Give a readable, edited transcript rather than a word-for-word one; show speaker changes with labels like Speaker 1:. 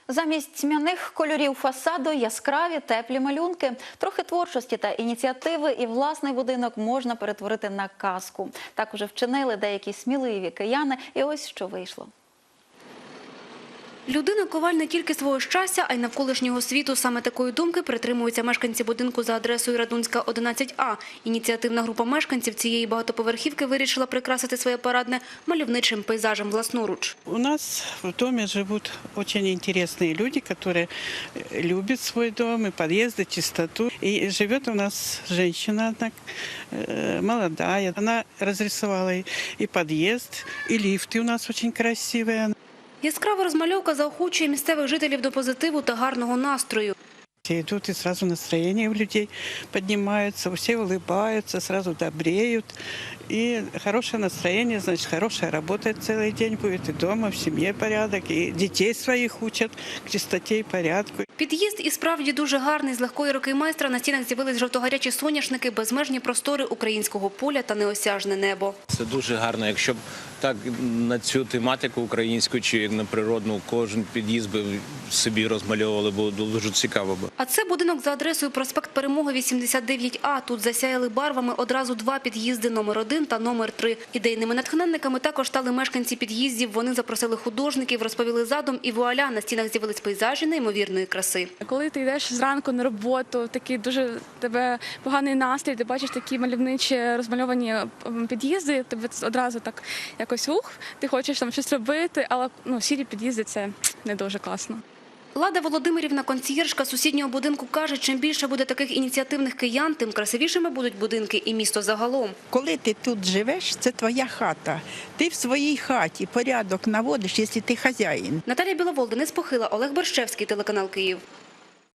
Speaker 1: Замість тьмяних кольорів фасаду яскраві, теплі малюнки. Трохи творчості та ініціативи і власний будинок можна перетворити на казку. Так уже вчинили деякі сміливі кияни, і ось що вийшло.
Speaker 2: Людина – коваль не тільки свого щастя, а й навколишнього світу. Саме такої думки притримуються мешканці будинку за адресою Радунська, 11А. Ініціативна група мешканців цієї багатоповерхівки вирішила прикрасити своє парадне мальовничим пейзажем власноруч.
Speaker 3: У нас в доме живут очень интересные люди, которые любят свой дом, и подъезды, чистоту. И живет у нас женщина одна, молодая. Она разрисовала и подъезд, и лифты у нас очень красивые.
Speaker 2: Яскрава розмальовка заохочує місцевих жителів до позитиву та гарного настрою.
Speaker 3: Все идут, и сразу настроение у людей поднимается, все улыбаются, сразу добреют. И хорошее настроение, значит, хорошая работа целый день будет, и дома, в семье порядок, и детей своих учат к чистоте и порядку.
Speaker 2: Під'їзд і справді дуже гарний. З легкої руки майстра на стінах з'явились жовтогарячі соняшники, безмежні простори українського поля та неосяжне небо.
Speaker 4: Це дуже гарно. Якщо б так на цю тематику українську чи на природну кожен під'їзд би собі розмальовували, було дуже цікаво.
Speaker 2: А це будинок за адресою проспект Перемоги, 89А. Тут засяяли барвами одразу два під'їзди – номер 1 та номер 3. Ідейними натхненниками також стали мешканці під'їздів. Вони запросили художників, розповіли задум і вуаля, на стінах з'явились пейзажі неймовірної краси.
Speaker 5: Коли ти йдеш зранку на роботу, такий дуже тебе поганий настрій, ти бачиш такі мальовничі розмальовані під'їзди, тебе одразу так якось ти хочеш там щось робити, але сірі під'їзди – це не дуже класно.
Speaker 2: Лада Володимирівна, консьєржка сусіднього будинку, каже, чим більше буде таких ініціативних киян, тим красивішими будуть будинки і місто загалом.
Speaker 6: Коли ти тут живеш, це твоя хата. Ти в своїй хаті порядок наводиш, якщо ти хазяїн.
Speaker 2: Наталія Біловол, Денис Похила, Олег Борщевський, телеканал Київ.